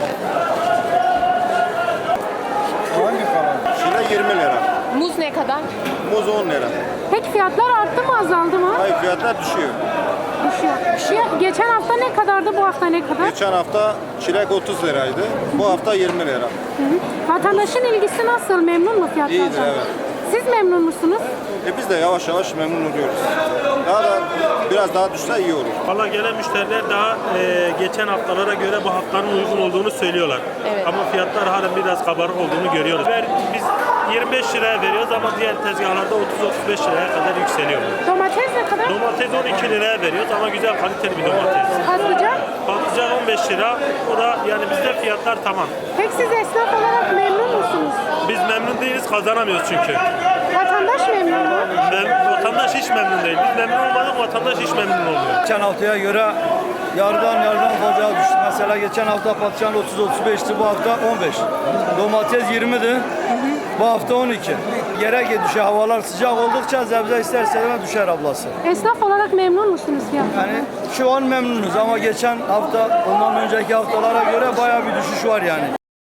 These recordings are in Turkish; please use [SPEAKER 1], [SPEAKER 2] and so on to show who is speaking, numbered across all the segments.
[SPEAKER 1] Hangi kanal? Çilek 20 lira.
[SPEAKER 2] Muz ne kadar?
[SPEAKER 1] Muz 10 lira.
[SPEAKER 3] Peki fiyatlar arttı mı azaldı mı?
[SPEAKER 1] Hayır, fiyatlar düşüyor.
[SPEAKER 3] Düşüyor. Geçen hafta ne kadardı, bu hafta ne kadar?
[SPEAKER 1] Geçen hafta çilek 30 liraydı. Bu hafta 20 lira.
[SPEAKER 3] Vatandaşın ilgisi nasıl? Memnun mu fiyatlardan?
[SPEAKER 1] İyidir, evet.
[SPEAKER 3] Siz memnun musunuz?
[SPEAKER 1] Biz de yavaş yavaş memnun oluyoruz. Daha da biraz daha düşse iyi olur.
[SPEAKER 4] Valla gelen müşteriler daha geçen haftalara göre bu haftanın uygun olduğunu söylüyorlar.
[SPEAKER 2] Evet.
[SPEAKER 4] Ama fiyatlar halen biraz kabarık olduğunu görüyoruz. Biz 25 liraya veriyoruz ama diğer tezgahlarda 30-35 liraya kadar yükseliyor.
[SPEAKER 3] Domates ne kadar?
[SPEAKER 4] Domates 12 liraya veriyoruz ama güzel kaliteli bir domates.
[SPEAKER 3] Patlıcan.
[SPEAKER 4] Patlıcan 15 lira. O da yani bizde fiyatlar tamam.
[SPEAKER 3] Peki siz esnaf olarak memnun musunuz?
[SPEAKER 4] Biz memnun değiliz, kazanamıyoruz çünkü.
[SPEAKER 3] Vatandaş memnun mu?
[SPEAKER 4] Vatandaş hiç memnun değil. Biz memnun olmadık, vatandaş hiç memnun olmuyor.
[SPEAKER 5] Geçen haftaya göre yarıdan fazla düştü. Mesela geçen hafta patlıcan 30-35'ti, bu hafta 15. Domates 20'di, bu hafta 12. Yere düşüyor, havalar sıcak oldukça sebze isterse düşer ablası.
[SPEAKER 3] Esnaf olarak memnun musunuz fiyatlardan?
[SPEAKER 5] Yani şu an memnunuz ama geçen hafta, ondan önceki haftalara göre bayağı bir düşüş var yani.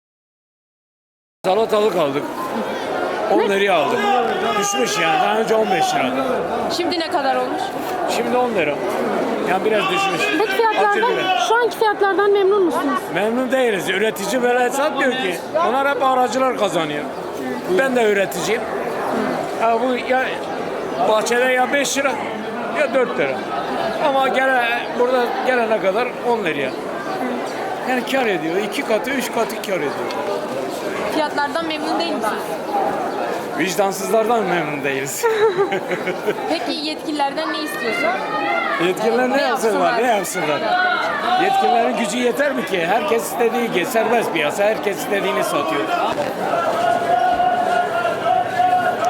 [SPEAKER 6] Salatalık aldık. 10 liraya aldık. Düşmüş yani. Daha önce 15 lira.
[SPEAKER 2] Şimdi ne kadar olmuş?
[SPEAKER 6] Şimdi 10 lira. Yani biraz düşmüş.
[SPEAKER 3] Peki fiyatlardan, şu anki fiyatlardan memnun musunuz?
[SPEAKER 6] Memnun değiliz. Üretici böyle satmıyor ki. Onlar hep aracılar kazanıyor. Ben de üreticiyim. Ya bu ya bahçede ya 5 lira ya 4 lira. Ama burada gelene kadar 10 liraya. Yani kar ediyor. 2 katı, 3 katı kar ediyor.
[SPEAKER 2] Fiyatlardan memnun değil misiniz?
[SPEAKER 6] Vicdansızlardan memnun değiliz.
[SPEAKER 2] Peki yetkililerden ne istiyorsun?
[SPEAKER 6] Yetkililer ne
[SPEAKER 2] Ne
[SPEAKER 6] yapsınlar?
[SPEAKER 2] yapsınlar?
[SPEAKER 6] Ne yapsınlar? Yetkililerin gücü yeter mi ki? Herkes istediği gibi serbest piyasa, herkes istediğini satıyor.